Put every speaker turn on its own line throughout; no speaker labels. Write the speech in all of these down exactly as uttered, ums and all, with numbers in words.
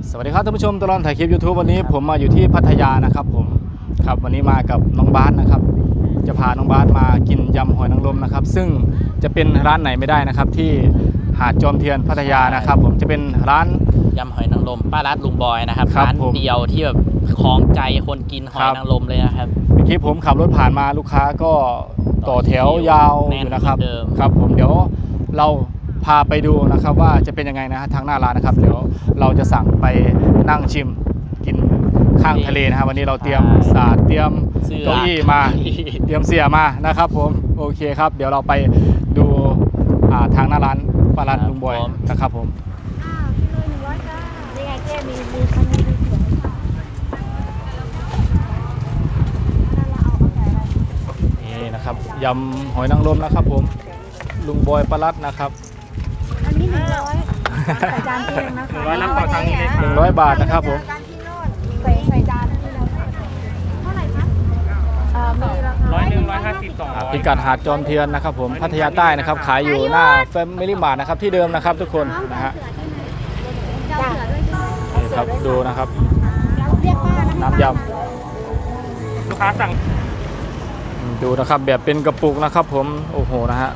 สวัสดีครับท่านผู้ชมตลอดถ่ายคลิป ยูทูบ วันนี้ผมมาอยู่ที่พัทยานะครับผมครับวันนี้มากับน้องบาสนะครับจะพาน้องบาสมากินยำหอยนางรมนะครับซึ่งจะเป็นร้านไหนไม่ได้นะครับที่หาดจอมเทียนพัทยานะครับผมจะเป็นร้าน
ยำหอยนางรมป้ารัดลุงบอยนะครับ
ร้าน
เดียวที่แบบคล้องใจคนกินหอยนางรมเลยนะครับ
เมื่อกี้ผมขับรถผ่านมาลูกค้าก็ต่อแถวยาวอยู่นะครับครับผมเดี๋ยวเราพาไปดูนะครับว่าจะเป็นยังไงนะฮะทางหน้าร้านนะครับเดี๋ยวเราจะสั่งไปนั่งชิมกินข้างทะเลนะครับวันนี้เราเตรียมศาสตร์เตรียมเก้าอี้มาเตรียมเสื่อมานะครับผมโอเคครับเดี๋ยวเราไปดูทางหน้าร้านป้ารัดลุงบอยนะครับผม
อ้าวกิโลหนึ่งร้อยจ้านี่ไงแก้มีมีคันนี้มีเสียง
นี่นะครับยำหอยนางรมนะครับผมลุงบอยป้ารัดนะครับ
อันนี้หนึ่งร้อยใส่จานเองนะคะ
หนึ่งร้อยรับต่อทางนี้เลยหนึ่งร้อยบาทนะครับผม
ใส่ใส่จานที่เราเท่าไหร่คะเอ่อมีราคา
ร้อยหนึ่งร้อยห้าสิบสองร้อย
พิกัดหาดจอมเทียนนะครับผมพัทยาใต้นะครับขายอยู่หน้าแฟมิลี่มาร์ทนะครับที่เดิมนะครับทุกคนนะฮะนี่ครับดูนะครับน้ำย
ำลูกค้าสั่ง
ดูนะครับแบบเป็นกระปุกนะครับผมโอ้โหนะฮะ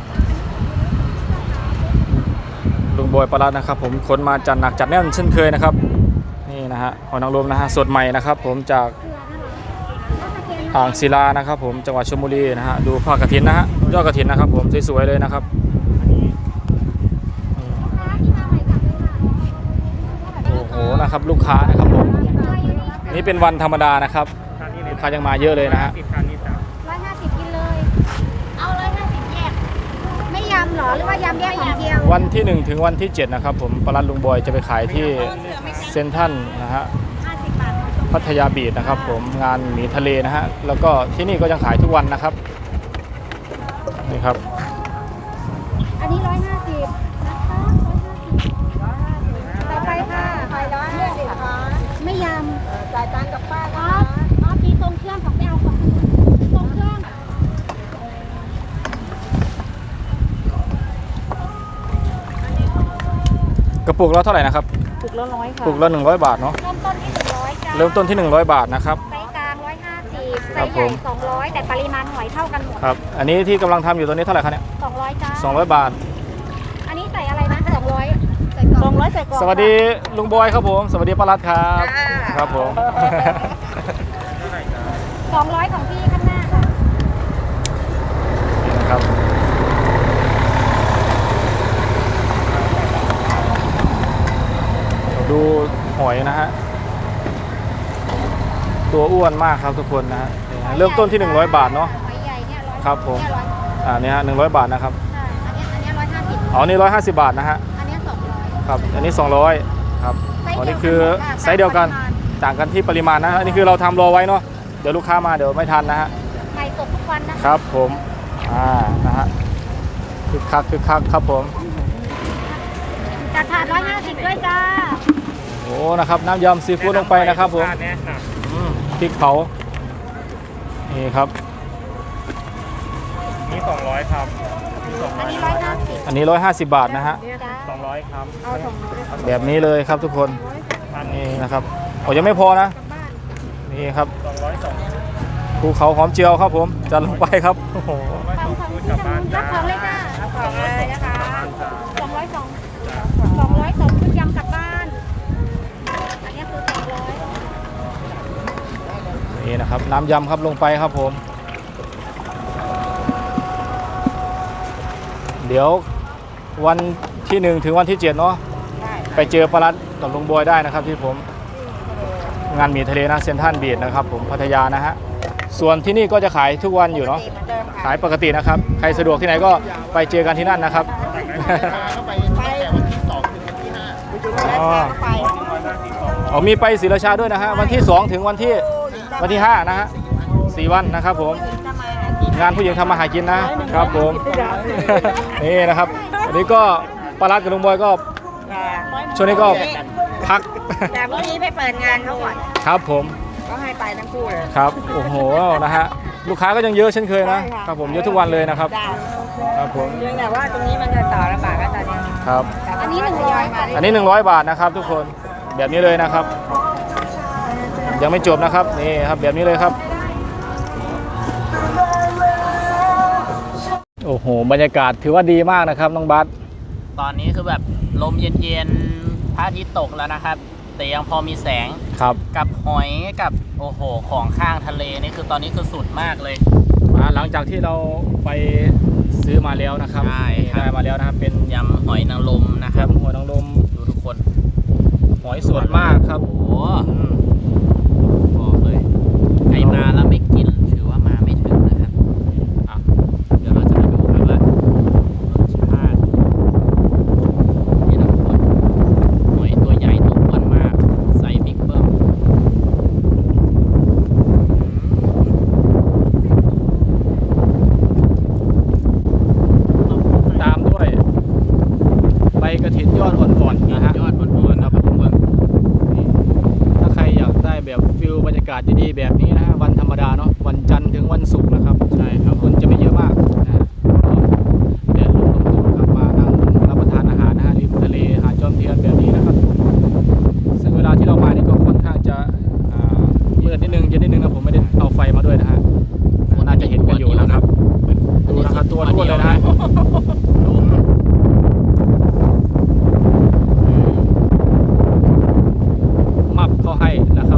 ลุงบอยปลารัดนะครับผมขนมาจัดหนักจัดแน่นเช่นเคยนะครับนี่นะฮะหอยนางรมนะฮะสดใหม่นะครับผมจากอ่างศิลานะครับผมจังหวัดชลบุรีนะฮะดูผ้ากฐินนะฮะยอดกฐินนะครับผมสวยๆเลยนะครับโอ้โหนะครับลูกค้านะครับผมนี่เป็นวันธรรมดานะครับลูกค้ายังมาเยอะเลยนะฮะ
ร้อยห้าสิบกินเลยเอาร้อยห้าสิบแยกไม่ยำหรอหรือว่ายำแยกของเดียว
วันที่หนึ่งถึงวันที่เจ็ดนะครับผมปลารัดลุงบอยจะไปขายที่เซ็นทรัลนะฮะพัทยาบีชนะครับผมงานหมีทะเลนะฮะแล้วก็ที่นี่ก็ยังขายทุกวันนะครับนี่ครับ
อันนี้ร้อยห้าสิบนะคะร้อยห้าสิบต่อไปค่ะไปร้อยห้าสิบค่ะไม่ยำจ่ายตังค์กับป้าอ๋ออ๋อมีตรงเครื่องของไม่เอาของตรงเครื่อง
กระปุกละเท่าไหร่นะครับ
ปุกละร้อยค่ะ
ปุกละหนึ่งร้อยบาทเนาะ
เริ่มต้นที่หนึ่งร้อยจ้า
เริ่มต้นที่หนึ่งร้อยบาทนะครับ
ไซส์กลางร้อยห้าสิบไซส์ใหญ่สองร้อยแต่ปริมาณหอยเท่ากันหมด
ครับอันนี้ที่กำลังทำอยู่ตัวนี้เท่าไหร่คะเนี่ย
สองร้อยจ้า
สองร้อยบาท
อันนี้ใส่อะไรนะสองร้อยใส่กล่องสองร้อยใส่กล่อง
สวัสดีลุงบอยครับผมสวัสดีป้ารัดครับครับผม
สองร้อยของพี่ข้างหน้าค่ะ
นี่นะครับดูหอยนะฮะตัวอ้วนมากครับทุกคนนะฮะเริ่มต้นที่หนึ่งร้อยบาทเนาะ
หอยใหญ่เนี่ยร้อย
ครับผมอ่านี่ฮะหนึ่งร้อยบาทนะครับ
ใช่อันนี้อันนี้ร้อยห้าสิบ
อ๋อนี่ร้อยห้าสิบบาทนะฮะ
อันนี้สองร้อย
ครับอันนี้สองร้อยครับอันนี้คือไซส์เดียวกันต่างกันที่ปริมาณนะอันนี้คือเราทำรอไว้เนาะเดี๋ยวลูกค้ามาเดี๋ยวไม่ทันนะฮะ
ใหม่สดทุกวันนะครับ
ผมอ่านะฮะคึกคักคึกคักครับผม
จัดถาดร้อยห้าสิบด้วยจ้า
โอ้นะครับน้ำยำซีฟู้ดลงไปนะครับผมพริกเผานี่ครับ
นี่สองร้อยครับ
อันนี้ร้อยห้าสิบ
อันนี้ร้อยห้าสิบบาทนะฮะ
สองร้อยครับ
เอาสองร้อย
แบบนี้เลยครับทุกคนนี่นะครับโอ้ยังไม่พอนะนี่ครับ
สองร้อยสอง
ภูเขาหอมเจียวครับผมจัดลงไปครับโอ้โห
กลับบ้านรับของเลยค่ะรับของเลยนะคะสองร้อยสองสองร้อยสองชุดยำกลับบ้านอันนี้คือสองร้อย
นี่นะครับน้ำยำครับลงไปครับผมเดี๋ยววันที่หนึ่งถึงวันที่เจ็ดเนาะไปเจอปลารัดกับลุงบอยได้นะครับที่ผมงานหมีทะเลนะเซ็นทรัลบีชนะครับผมพัทยานะฮะส่วนที่นี่ก็จะขายทุกวันอยู่เนาะขายปกตินะครับใครสะดวกที่ไหนก็ไปเจอกันที่นั่นนะครับอ๋อมีไปศรีราชาด้วยนะฮะวันที่สองถึงวันที่วันที่ห้านะฮะสี่วันนะครับผมงานผู้หญิงทำมาหากินนะครับผมนี่นะครับวันนี้ก็ปลารัดกับลุงบอยก็ช่วงนี้ก็พัก
แต่พรุ่งนี้ไปเปิดงานเขาก่อน
ครับผม
ก็ให้ไปทั้งคู่เลย
ครับโอ้โหนะฮะลูกค้าก็ยังเยอะเช่นเคยนะครับผมเยอะทุกวันเลยนะครับครับผม
เพียงแต่ว่าตรงนี้มันจะต่อลำบากก็ตอนนี้
ครับ
อันนี้หนึ่งร้อย
อันนี้หนึ่งร้อยบาทนะครับทุกคนแบบนี้เลยนะครับ ยังไม่จบนะครับนี่ครับแบบนี้เลยครับโอ้โหบรรยากาศถือว่าดีมากนะครับน้องบัส
ตอนนี้คือแบบลมเย็นๆพระอาทิตย์ตกแล้วนะครับ แต่ยังพอมีแสง
ครับ
กับหอยกับโอ้โหของข้างทะเลนี่คือตอนนี้คือสุดมากเลย
มาหลังจากที่เราไปซื้อมาแล้วนะครับ
ใช่ครับ
ได้มาแล้วนะครับเป็น
ยำหอยนางรมนะครับ
ยำหัวนางรม
ดูทุกคน
หอยสดมากครับ
โอ้โห
อืม
บอกเลยใครมาแล้วไม่กินถือว่ามาไม่ถึงนะครับอ่ะเดี๋ยวเราจะมาดูครับว่ารสชาตินี่นะทุกคนหอยตัวใหญ่ตัวอ้วนมากไซส์บิ๊กเบิ้ม
ตามด้วยใบกระถินยอดอ่อนๆนะฮะ
ยอดอ่อนๆนะครับทุกคน
นี่ถ้าใครอยากได้แบบฟิลบรรยากาศดีๆแบบนี้นะฮะวันธรรมดาเนาะวันจันทร์ถึงวันศุกร์นะครับใช่ครับคนจะไม่เยอะมากนะฮะก็แดดลมลมครับมานั่งรับประทานอาหารนะฮะริมทะเลหาดจอมเทียนแบบนี้นะครับซึ่งเวลาที่เรามานี่ก็ค่อนข้างจะอ่ามืดนิดนึงเย็นนิดนึงนะผมไม่ได้เอาไฟมาด้วยนะฮะน่าจะเห็นกันอยู่นะครับดูนะครับตัวท้วนเลยนะฮะ มับเขาให้นะครับ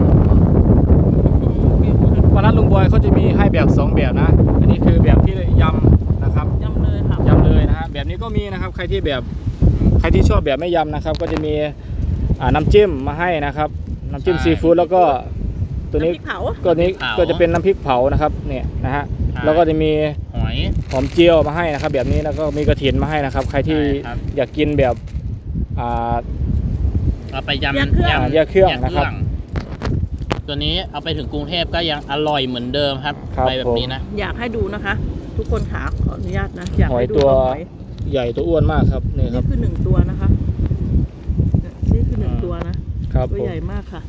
ปลาร้าลุงบอยเขาจะมีให้แบบสองแบบนะ อันนี้คือแบบที่ยำนะครับ
ยำเลยครับ
ยำเลยนะฮะแบบนี้ก็มีนะครับใครที่แบบใครที่ชอบแบบไม่ยำนะครับ ก็จะมีอ่าน้ำจิ้มมาให้นะครับน้ำจิ้มซีฟู้ดแล้วก็ตัวนี้ก็นี้ก็จะเป็นน้ำพริกเผานะครับเนี่ยนะฮะแล้วก็จะมี
หอย
หอมเจียวมาให้นะครับ แบบนี้แล้วก็มีกระถินมาให้นะครับ ใครที่
ใช่ครับ
อยากกินแบบอ่า
เอาไปยำ
แยกเครื่อง
ยำ
แยกเครื่องนะครับ
ตัวนี้เอาไปถึงกรุงเทพก็ยังอร่อยเหมือนเดิมครับ
ครับ
ไปแบบนี้นะ
อยากให้ดูนะคะ ทุกคนขาขออนุญาตนะ อยาก
หอย
ให้ดู
ตัว
หอย
ใหญ่ตัวอ้วนมากครับนี่ค
นี่
รับ
คือหนึ่งตัวนะคะเนี่ยนี่คือหนึ่งตัวนะครับ ตัว
ผม
ใหญ่มากค่ะ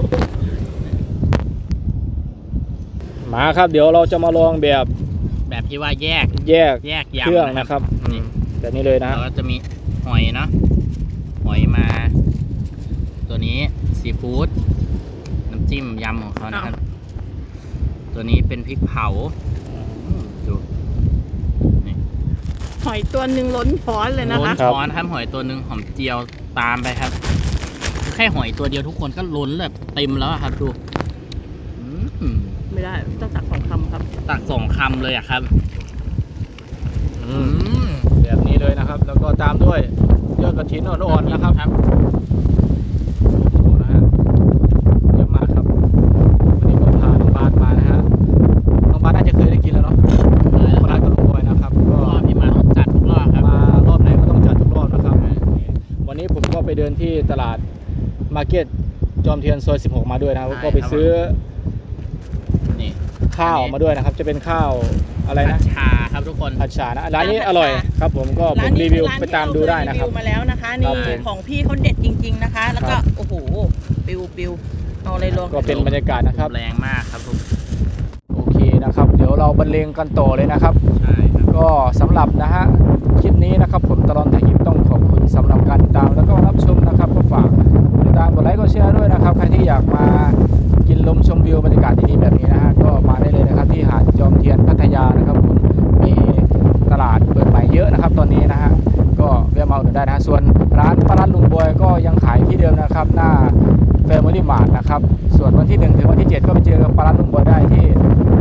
มาครับเดี๋ยวเราจะมาลองแบบ
แบบที่ว่าแยก
แยก
แยก
เครื่อง
ยำ
นะครับอื
นี่
มแบบนี้เลยนะ
แล้วก็จะมีหอยเนาะหอยมา ตัวนี้ซีฟู้ดน้ำจิ้มยำของเขานะครับ ตัวนี้เป็นพริกเผาอืมดูนี่
หอยตัวหนึ่งล้นช้อนเลยนะ
ล้น
คะ
ช้อนครับหอยตัวหนึ่งหอมเจียวตามไปครับคือแค่หอยตัวเดียวทุกคนก็ล้นแบบเต็มแล้วอะครับดูอืม
ไม่ได้ต้องตักสองคำครับ
ตักสองคำเลยอะครับ
อืมแบบนี้เลยนะครับ แล้วก็ตามด้วยยอดกระถินอ่อนๆนะครับ
ครับ
โอ้โหนะฮะเยอะมากครับวันนี้ก็พาน้องบาสมานะฮะน้องบาสน่าจะเคยได้กินแล้วเนาะปลาร้ากับลุงบอยนะครับก็
รอบที่มาต้องจัดทุกรอบครับ
มารอบไหนก็ต้องจัดทุกรอบนะครับวันนี้ผมก็ไปเดินที่ตลาดมาร์เก็ตจอมเทียนซอยสิบหกมาด้วยนะครับ
ใช่
ก็ไป
ครับ
ซื้อ
นี่
ข้าวมาด้วยนะครับ จะเป็นข้าวอะไร
ผั
นะ
ดชาครับทุกคน
ผัดฉานะร้านนี้อร่อยครับผมก็ผมรีวิวไปตามดูได้นะครับ
ร้ามาแล้วนะคะ
ครั
นี่
บผม
ของพี่เขาเด็ดจริง ๆนะคะ แล้วก็
ครับ
โอ้โหปิวปิวเอาอะไรลง
ก็เป็นบรรยากาศนะครับ
แรงมากครับทุก
โอเคนะครับ เดี๋ยวเราบรรเลงกันต่อเลยนะครับ
ใช่ครับ
ก็สำหรับนะฮะคลิปนี้นะครับผมตลอดถ่ายคลิปต้องขอบคุณสำหรับการติดตามแล้วก็รับชมนะครับก็ฝากติดตามกดไลค์กดแชร์ด้วยนะครับใครที่อยากมากินลมชมวิวบรรยากาศดีๆแบบนี้นะฮะก็มาได้เลยนะครับที่หาดจอมเทียนพัทยานะครับผมมีตลาดเปิดใหม่เยอะนะครับ ตอนนี้นะฮะก็แวะมาอุดหนุนได้นะฮะส่วนร้านปลาร้าลุงบอยก็ยังขายที่เดิมนะครับหน้า Family Mart นะครับส่วนวันที่หนึ่งถึงวันที่เจ็ดก็ไปเจอกับปลาร้าลุงบอยได้ที่